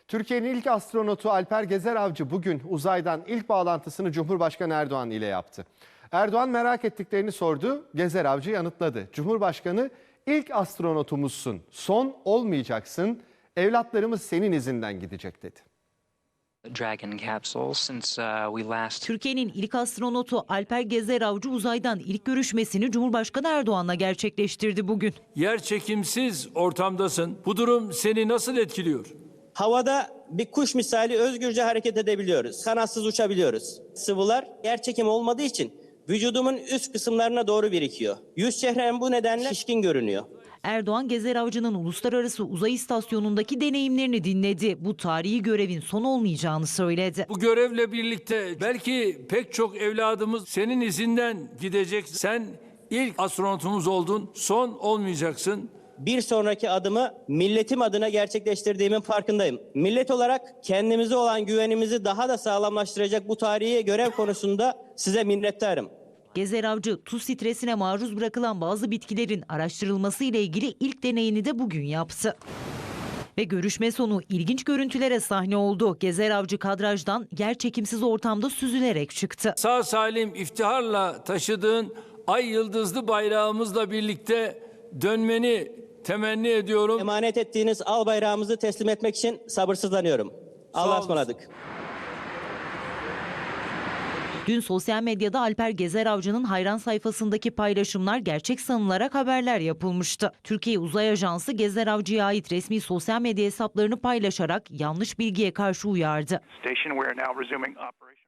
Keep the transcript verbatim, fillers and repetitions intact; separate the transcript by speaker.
Speaker 1: Türkiye'nin ilk astronotu Alper Gezer Avcı bugün uzaydan ilk bağlantısını Cumhurbaşkanı Erdoğan ile yaptı. Erdoğan merak ettiklerini sordu, Gezer Avcı yanıtladı. Cumhurbaşkanı ilk astronotumuzsun, son olmayacaksın, evlatlarımız senin izinden gidecek dedi.
Speaker 2: Dragon capsule since uh, we last
Speaker 3: Türkiye'nin ilk astronotu Alper Gezer Avcı uzaydan ilk görüşmesini Cumhurbaşkanı Erdoğan'la gerçekleştirdi bugün.
Speaker 4: Yerçekimsiz ortamdasın. Bu durum seni nasıl etkiliyor?
Speaker 5: Havada bir kuş misali özgürce hareket edebiliyoruz. Kanatsız uçabiliyoruz. Sıvılar yerçekim olmadığı için vücudumun üst kısımlarına doğru birikiyor. Yüz çehrem bu nedenle şişkin görünüyor.
Speaker 3: Erdoğan, Gezer Avcı'nın Uluslararası Uzay İstasyonu'ndaki deneyimlerini dinledi. Bu tarihi görevin son olmayacağını söyledi.
Speaker 4: Bu görevle birlikte belki pek çok evladımız senin izinden gidecek. Sen ilk astronotumuz oldun, son olmayacaksın.
Speaker 5: Bir sonraki adımı milletim adına gerçekleştirdiğimin farkındayım. Millet olarak kendimize olan güvenimizi daha da sağlamlaştıracak bu tarihi görev konusunda size minnettarım.
Speaker 3: Gezer Avcı, tuz stresine maruz bırakılan bazı bitkilerin araştırılması ile ilgili ilk deneyini de bugün yaptı. Ve görüşme sonu ilginç görüntülere sahne oldu. Gezer Avcı kadrajdan yerçekimsiz ortamda süzülerek çıktı.
Speaker 4: Sağ salim iftiharla taşıdığın ay yıldızlı bayrağımızla birlikte dönmeni temenni ediyorum.
Speaker 5: Emanet ettiğiniz al bayrağımızı teslim etmek için sabırsızlanıyorum. Allah'a ısmarladık.
Speaker 3: Dün sosyal medyada Alper Gezer Avcı'nın hayran sayfasındaki paylaşımlar gerçek sanılarak haberler yapılmıştı. Türkiye Uzay Ajansı Gezer Avcı'ya ait resmi sosyal medya hesaplarını paylaşarak yanlış bilgiye karşı uyardı.